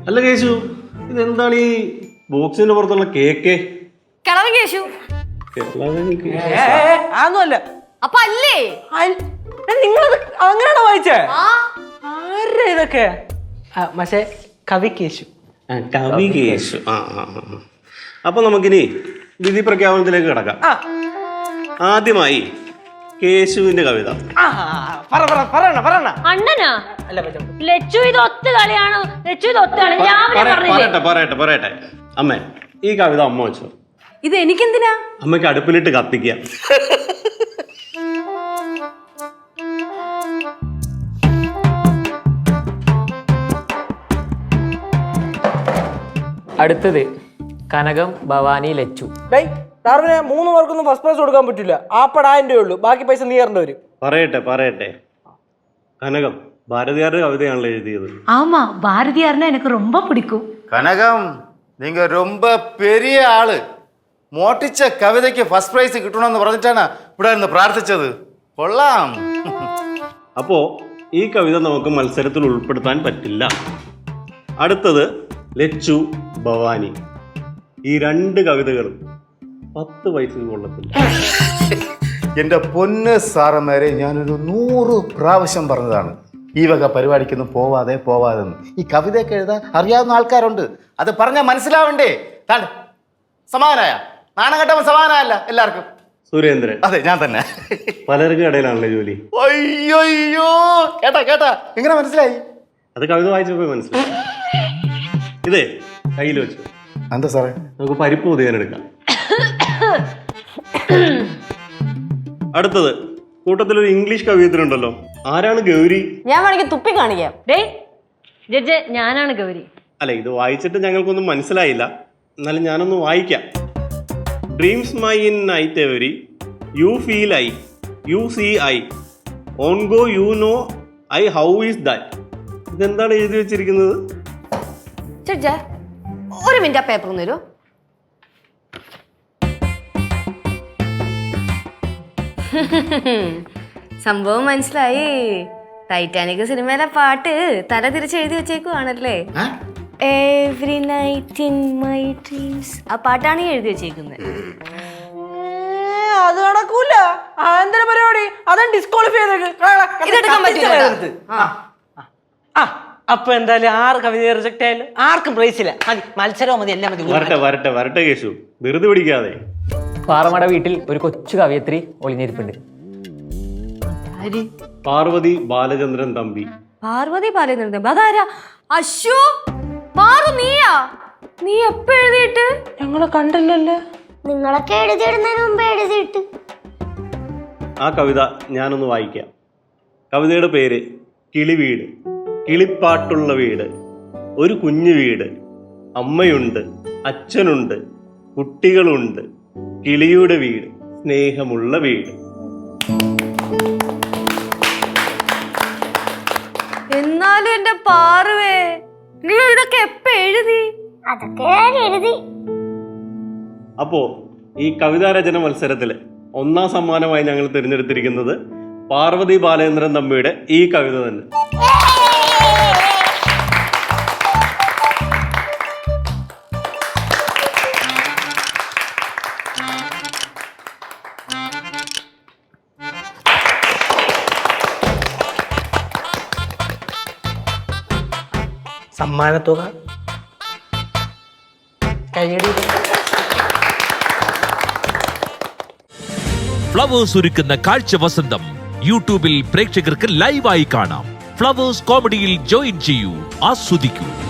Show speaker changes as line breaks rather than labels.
അല്ല കേശു, ഇതെന്താണ് ഈ ബോക്സിന്റെ പുറത്തുള്ള കേക്ക്?
കിളവൻ കേശു.
അതൊന്നുമല്ല.
അപ്പൊ അല്ലേ
നിങ്ങളത് അങ്ങനെയാണോ വായിച്ചേ? ആരാ ഇതൊക്കെ? പക്ഷേ കവി കേശു.
കവി കേശു. അപ്പൊ നമുക്കിനി വിധി പ്രഖ്യാപനത്തിലേക്ക് കിടക്കാം. ആദ്യമായി കേശുവിന്റെ കവിത.
അണ്ണനാ ലച്ചു ഇത് ഒത്തു കളിയാണോ? ലച്ചു ഇത് ഒത്തു കളി.
പറയട്ടെ അമ്മേ, ഈ കവിത അമ്മ വെച്ചോ.
ഇത് എനിക്കെന്തിനാ?
അമ്മയ്ക്ക് അടുപ്പിലിട്ട് കത്തിക്കാം.
അടുത്തത് കനകം, ഭവാനി, ലച്ചു.
ഡാർവിനെ 3 പേർക്കൊന്നും ഫസ്റ്റ് പ്രൈസ് കൊടുക്കാൻ പറ്റില്ല. ആപ്പടായിരം രൂപ ഉള്ളൂ, ബാക്കി പൈസ നീ തരേണ്ടി വരും.
പറയട്ടെ കനകം ഭാരതിയാരുടെ കവിതയാണല്ലോ എഴുതിയത്.
ஆமா, பாரதியார்னா எனக்கு ரொம்ப பிடிக்கும்.
കനകം, நீங்க ரொம்ப பெரிய ஆளு. മോട്ടിച്ച കവിതയ്ക്ക് ഫസ്റ്റ് പ്രൈസ് കിട്ടണമെന്ന് പറഞ്ഞിട്ടാണ് ഇവിടെ നിന്ന് പ്രാർത്ഥിച്ചത്. കൊള്ളാം.
അപ്പോ ഈ കവിത നമുക്ക് മത്സരത്തിൽ ഉൾപ്പെടുത്താൻ പറ്റില്ല. അടുത്തത് ലച്ചു, ഭവാനി. ഈ 2 കവിതകളും 10 പൈസ കൊള്ളത്തില്ല.
എൻ്റെ പൊന്ന് സാറന്മാരെ, ഞാനൊരു 100 പ്രാവശ്യം പറഞ്ഞതാണ് ഈ വക പരിപാടിക്കൊന്നും പോവാതെ ഈ കവിതയൊക്കെ എഴുതാൻ അറിയാവുന്ന ആൾക്കാരുണ്ട്. അത് പറഞ്ഞാൽ മനസ്സിലാവണ്ടേ? താണ്ട് സമാധാനായ നാണം കെട്ടവൻ സമാധാനമല്ല എല്ലാവർക്കും.
സുരേന്ദ്രൻ.
അതെ, ഞാൻ തന്നെ.
പലർക്കും ഇടയിലാണല്ലോ ജോലി.
അയ്യോ കേട്ടാ എങ്ങനെ മനസ്സിലായി?
അത് കവിത വായിച്ചപ്പോ മനസ്സിലായി. ഇതേ കയ്യിൽ വെച്ചു.
എന്താ സാറേ?
നമുക്ക് പരിപ്പ് ഉദയാനെടുക്കാം. അടുത്തത് കൂട്ടത്തിലൊരു ഇംഗ്ലീഷ് കവിയത്തിലുണ്ടല്ലോ. ആരാണ് ഗൗരി?
ഞാൻ വേണമെങ്കിൽ തുപ്പി കാണിക്കാം. ജഡ്ജ്, ഞാനാണ് ഗൗരി.
അല്ല, ഇത് വായിച്ചിട്ട് ഞങ്ങൾക്കൊന്നും മനസ്സിലായില്ല. എന്നാലും ഞാനൊന്ന് വായിക്കാം. Dreams my in night every, you feel I, you see I, on go you know I, how is that. ഇതെന്താണ് എഴുതി വെച്ചിരിക്കുന്നത്?
ജഡ്ജ്, ഒരു മിനിറ്റ് ആ പേപ്പർ ഒന്ന് തരുമോ? സംഭവം മനസ്സിലായി. ടൈറ്റാനിക് സിനിമയിലെ പാട്ട് തല തിരിച്ച് എഴുതി വെച്ചേക്കുവാണല്ലേ. Every night in my dreams. ആ പാട്ടാണ് ഈ എഴുതി വെച്ചേക്കുന്നത്.
അത് നടക്കൂല. എന്തൊരു പരിപാടി? അതാണ് ഡിസ്ക്വാളിഫൈ
ഇതെടുക്കാൻ പറ്റില്ല.
അപ്പൊ എന്തായാലും 6 കവിത റിജക്ട് ആയാലും ആർക്കും പ്രൈസ് ഇല്ല. മതി, മത്സരവും മതി, എല്ലാം മതി.
വരട്ടെ കേശു, വെറുതെ പിടിക്കാതെ.
പാറമട വീട്ടിൽ ഒരു കൊച്ചു കവയത്രി ഒളിഞ്ഞിരിപ്പുണ്ട്.
പാർവതി ബാലചന്ദ്രൻ തമ്പി.
പാർവതി ബാലചന്ദ്രൻ തമ്പി അതാരാ? അശ്ശോ, പാറു നീയാ? നീ എപ്പോ എഴുതിയിട്ട്?
ഞങ്ങളെ കണ്ടില്ലല്ലോ.
നിങ്ങളൊക്കെ എഴുതിയിടുന്നതിന് മുമ്പ് എഴുതിയിട്ട്.
ആ കവിത ഞാനൊന്ന് വായിക്കാം. കവിതയുടെ പേര് കിളിവീട്. കിളിപ്പാട്ടുള്ള വീട്, ഒരു കുഞ്ഞു വീട്, അമ്മയുണ്ട്, അച്ഛനുണ്ട്, കുട്ടികളുണ്ട്, കിളിയുടെ വീട്, സ്നേഹമുള്ള വീട്.
എന്നാലും എന്റെ പാറുവേ, നീ ഇതൊക്കെ എപ്പ എഴുതി?
അതൊക്കെ ഞാൻ എഴുതി.
അപ്പോ ഈ കവിതാരചന മത്സരത്തില് 1ാം സമ്മാനമായി ഞങ്ങൾ തിരഞ്ഞെടുത്തിരിക്കുന്നത് പാർവതി ബാലേന്ദ്രൻ തമ്പിയുടെ ഈ കവിത തന്നെ.
സമ്മാനത്തുക കൈയടി.
ഫ്ലവേഴ്സ് ഒരുക്കുന്ന കാഴ്ച വസന്തം യൂട്യൂബിൽ പ്രേക്ഷകർക്ക് ലൈവായി കാണാം. ഫ്ലവേഴ്സ് കോമഡിയിൽ ജോയിൻ ചെയ്യൂ, ആസ്വദിക്കൂ.